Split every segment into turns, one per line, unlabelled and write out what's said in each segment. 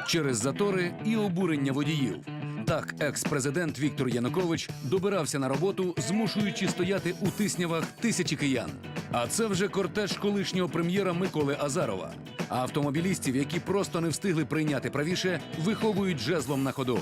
через затори і обурення водіїв. Так, екс-президент Віктор Янукович добирався на роботу, змушуючи стояти у тиснявах тисячі киян. А це вже кортеж колишнього прем'єра Миколи Азарова. А автомобілістів, які просто не встигли прийняти правіше, виховують жезлом на ходу.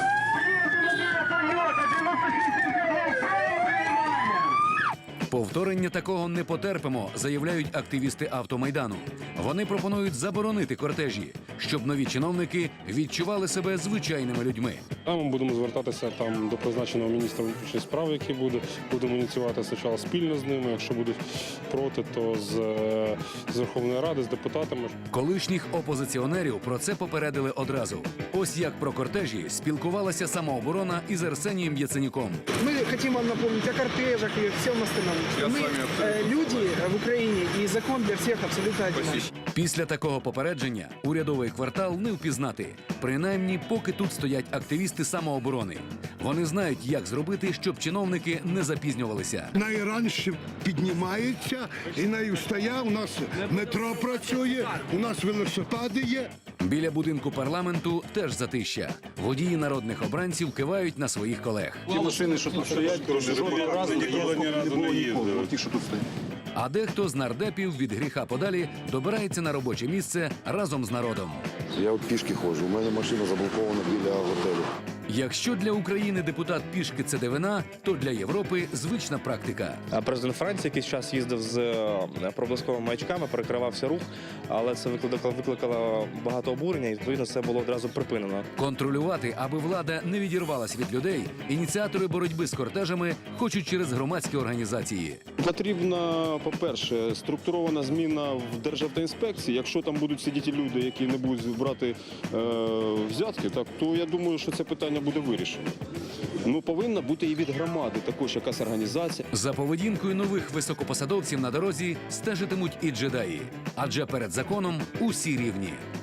Повторення такого не потерпимо, заявляють активісти автомайдану. Вони пропонують заборонити кортежі, щоб нові чиновники відчували себе звичайними людьми.
Ми будемо звертатися до призначеного міністра внутрішніх справ, який будемо ініціювати спочатку спільно з ними. Якщо будуть проти, то з Верховної Ради, з депутатами.
Колишніх опозиціонерів про це попередили одразу. Ось як про кортежі спілкувалася самооборона із Арсенієм Яценюком.
Мы хотим вам напомнить о кортежах и всем остальном. Мы люди в Украине, и закон для всех абсолютно один.
Після такого попередження урядовий квартал не впізнати. Принаймні, поки тут стоять активісти самооборони. Вони знають, як зробити, щоб чиновники не запізнювалися.
Найраньше піднімається і найвстає. У нас метро працює, у нас велосипеди є.
Біля будинку парламенту теж затища. Водії народних обранців кивають на своїх колег.
Ті машини, що тут стоять, жодного разу ніколи не їздили. Ті, що тут стоять.
А дехто з нардепів від гріха подалі добирається на робоче місце разом з народом.
Я от пішки ходжу, у мене машина заблокована біля готелю.
Якщо для України депутат пішки – це дивина, то для Європи – звична практика.
Президент Франції якийсь час їздив з проблисковими маячками, перекривався рух, але це викликало багато обурення і, відповідно, це було одразу припинено.
Контролювати, аби влада не відірвалась від людей, ініціатори боротьби з кортежами хочуть через громадські організації.
Потрібна, по-перше, структурована зміна в Державтоінспекції. Якщо там будуть сидіти люди, які не будуть брати взятки, то я думаю, що це питання буде вирішено. Повинна бути і від громади також якась організація.
За поведінкою нових високопосадовців на дорозі стежитимуть і джедаї. Адже перед законом усі рівні.